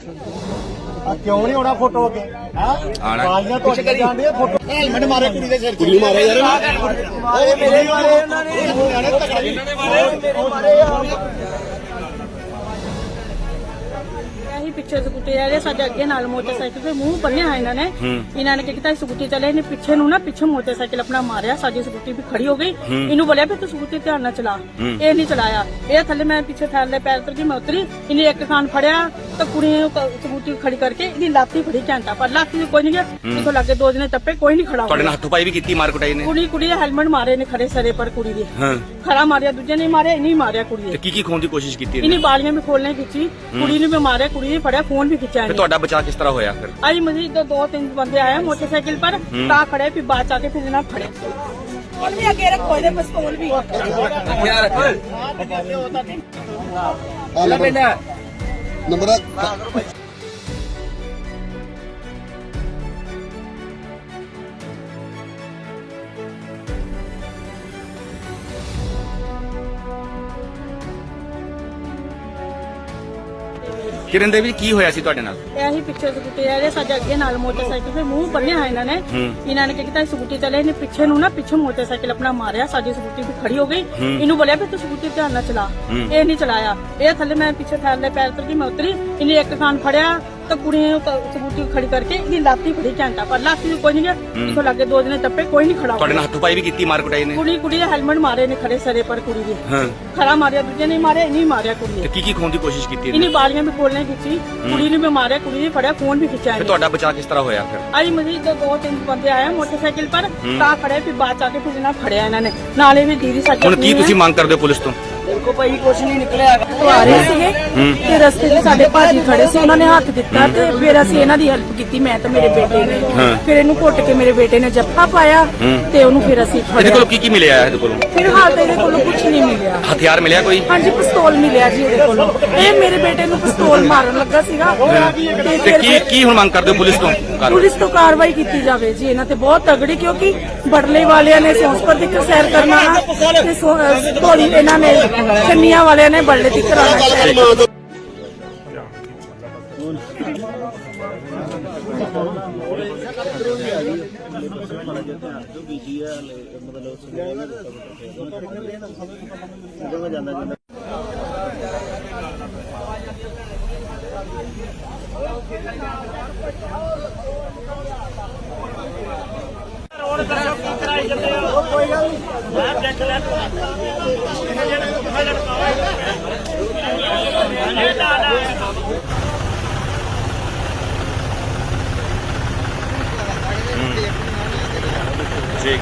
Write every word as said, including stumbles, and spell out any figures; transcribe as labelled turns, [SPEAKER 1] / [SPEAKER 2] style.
[SPEAKER 1] क्यों नहीं होना फोटो अगे बालियां तो जान फोटो हेलमेट मारे कुड़ी दे सिर कुड़ी मारे यार मेरे मारे
[SPEAKER 2] पिछे स्कूटी आ रहे साडे अगे नाल मोटरसाइकिल पे मुंह बन्ने है इन्होंने इन्होंने क्या किया स्कूटी चले इन्हें पीछे नु ना पीछे मोटरसाइकिल अपना मारिया साडी स्कूटी भी खड़ी हो गई इन्हों बोलिया भी तू स्कूटी ध्यान ना चला ये नहीं चलाया ये थले मैं पीछे फैल पैर उतर गई मैं उतरी इन्हें एक खान फड़िया तो कुड़ी स्कूटी खड़ी करके इन्हें लाती फड़ी घंटा पर लाती कोई नहीं गया इतो लगे दो जने टप्पे कोई नहीं खड़ा
[SPEAKER 3] ਤੁਹਾਡੇ ਨਾਲ ਹੱਥੋਂ-ਪਾਈ ਵੀ ਕੀਤੀ ਮਾਰ ਕੁਟਾਈ ਨੇ
[SPEAKER 2] कुड़ी कुड़ी हेलमेट मारे ने खड़े सरे पर कुड़ी दे खड़ा मारिया दूजे ने मारे नहीं मारिया कुड़ी
[SPEAKER 3] ਤੇ ਕੀ ਕੀ ਖੋਣ ਦੀ ਕੋਸ਼ਿਸ਼ ਕੀਤੀ
[SPEAKER 2] इन्हीं बालियां भी खोलने की कुड़ी ने भी मारे कुड़ी ने फड़िया फोन भी खिंचा
[SPEAKER 3] ਫਿਰ ਤੁਹਾਡਾ ਬਚਾਅ ਕਿਸ ਤਰ੍ਹਾਂ ਹੋਇਆ ਫਿਰ
[SPEAKER 2] आई मजीद दो, दो तीन बंदे आए मोटरसाइकिल पर ता खड़े फिर बाद आके फिर ना फड़े और भी आगे रखो इधर पिस्तौल भी
[SPEAKER 1] नंबर
[SPEAKER 3] ਕਿਰਨ ਦੇਵੀ ਕੀ ਹੋਇਆ ਸੀ ਤੁਹਾਡੇ ਨਾਲ
[SPEAKER 2] ਇਹੀ ਪਿੱਛੇ ਸਕੂਟੀ ਆ ਰਹੇ ਸਾਡੇ ਅੱਗੇ ਨਾਲ ਮੋਟਰਸਾਈਕਲ ਤੇ ਮੂੰਹ ਬੰਨਿਆ ਹੈ ਇਹਨਾਂ ਨੇ ਇਹਨਾਂ ਨੇ ਕੀ ਕੀਤਾ ਸਕੂਟੀ ਚਲੇ ਇਹਨੇ ਪਿੱਛੇ ਨੂੰ ਨਾ ਪਿੱਛੇ ਮੋਟਰਸਾਈਕਲ ਆਪਣਾ ਮਾਰਿਆ ਸਾਡੀ ਸਕੂਟੀ ਵੀ ਖੜੀ ਹੋ ਗਈ ਇਹਨੂੰ ਬੋਲਿਆ ਵੀ ਤੂੰ ਸਕੂਟੀ ਧਿਆਨ ਨਾਲ ਚਲਾ ਇਹ ਨਹੀਂ ਚਲਾਇਆ ਇਹ ਥੱਲੇ ਮੈਂ ਪਿੱਛੇ ਫੈਲ ਪੈਰ ਉतर ਗਈ ਮੈਂ ਉਤਰੀ ਇਹਨੇ ਇੱਕ ਖਾਨ ਫੜਿਆ तो कुड़ी स्कूटी खड़ी करके इन्हें लाती फड़ी घंटा पर लाती कोई नहीं गया इतो लगे दो जने टप्पे कोई नहीं खड़ा
[SPEAKER 3] ਤੁਹਾਡੇ ਨਾਲ ਹੱਥੋਂ-ਪਾਈ ਵੀ ਕੀਤੀ ਮਾਰ ਕੁਟਾਈ ਨੇ
[SPEAKER 2] कुड़ी कुड़ी हेलमेट मारे ने खड़े सरे पर कुड़ी दे खड़ा मारिया दूजे ने मारे नहीं मारिया कुड़ी
[SPEAKER 3] ਤੇ ਕੀ ਕੀ ਖੋਣ ਦੀ ਕੋਸ਼ਿਸ਼ ਕੀਤੀ
[SPEAKER 2] इन्हीं बालियां भी खोलने की कुड़ी ने भी मारिया कुड़ी ने फड़िया फोन भी खिंचा
[SPEAKER 3] ਫਿਰ ਤੁਹਾਡਾ बचाव किस तरह होया फिर
[SPEAKER 2] आई मजीद दो, दो तीन बंदे आए मोटरसाइकिल पर ता खड़े फिर बाद आके फिर ना फड़िया इन्होंने नाले भी दीदी साडी
[SPEAKER 3] ਹੁਣ ਕੀ ਤੁਸੀਂ ਮੰਗ ਕਰਦੇ ਹੋ ਪੁਲਿਸ ਤੋਂ
[SPEAKER 2] देखो भाई कुछ नहीं निकलिया आ रहे ਸੀਗੇ ਤੇ ਰਸਤੇ 'ਚ ਸਾਡੇ ਭਾਜੀ ਖੜੇ ਸੀ ਉਹਨਾਂ ਨੇ ਹੱਥ ਦਿੱਤਾ ਤੇ ਫਿਰ ਅਸੀਂ ਇਹਨਾਂ ਦੀ ਹੈਲਪ ਕੀਤੀ ਮੈਂ ਤੇ ਮੇਰੇ ਬੇਟੇ ਨੇ ਫਿਰ ਇਹਨੂੰ ਘੁੱਟ ਕੇ ਮੇਰੇ ਬੇਟੇ ਨੇ ਜੱਫਾ ਪਾਇਆ ਤੇ ਉਹਨੂੰ ਫਿਰ ਅਸੀਂ
[SPEAKER 3] ਇਹਦੇ ਕੋਲ ਕੀ ਕੀ ਮਿਲਿਆ ਇਹਦੇ ਕੋਲੋਂ
[SPEAKER 2] ਫਿਲਹਾਲ ਤਾਂ ਇਹਦੇ ਕੋਲੋਂ ਕੁਝ ਨਹੀਂ ਮਿਲਿਆ
[SPEAKER 3] ਹਥਿਆਰ ਮਿਲਿਆ ਕੋਈ
[SPEAKER 2] ਹਾਂਜੀ ਪਿਸਤੌਲ ਮਿਲਿਆ ਜੀ ਇਹਦੇ ਕੋਲੋਂ ਇਹ ਮੇਰੇ ਬੇਟੇ ਨੂੰ ਪਿਸਤੌਲ ਮਾਰਨ ਲੱਗਾ ਸੀਗਾ
[SPEAKER 3] ਤੇ ਕੀ ਕੀ ਹੁਣ ਮੰਗ ਕਰਦੇ ਹੋ ਪੁਲਿਸ ਤੋਂ
[SPEAKER 2] ਪੁਲਿਸ ਤੋਂ ਕਾਰਵਾਈ ਕੀਤੀ ਜਾਵੇ ਜੀ ਇਹਨਾਂ ਤੇ ਬਹੁਤ ਤਗੜੀ ਕਿਉਂਕਿ ਬੜਲੇ ਵਾਲਿਆਂ ਨੇ ਸੌਂਸਪਰ ਦੀ ਸੈਰ ਕਰਨਾ ਤੇ ਥੋੜੀ ਇਹਨਾਂ ਨੇ ਚੰਨੀਆਂ ਵਾਲਿਆਂ ਨੇ ਬੜਲੇ ਦੀ ਕਰਾਉਣਾ
[SPEAKER 1] कोई गल नहीं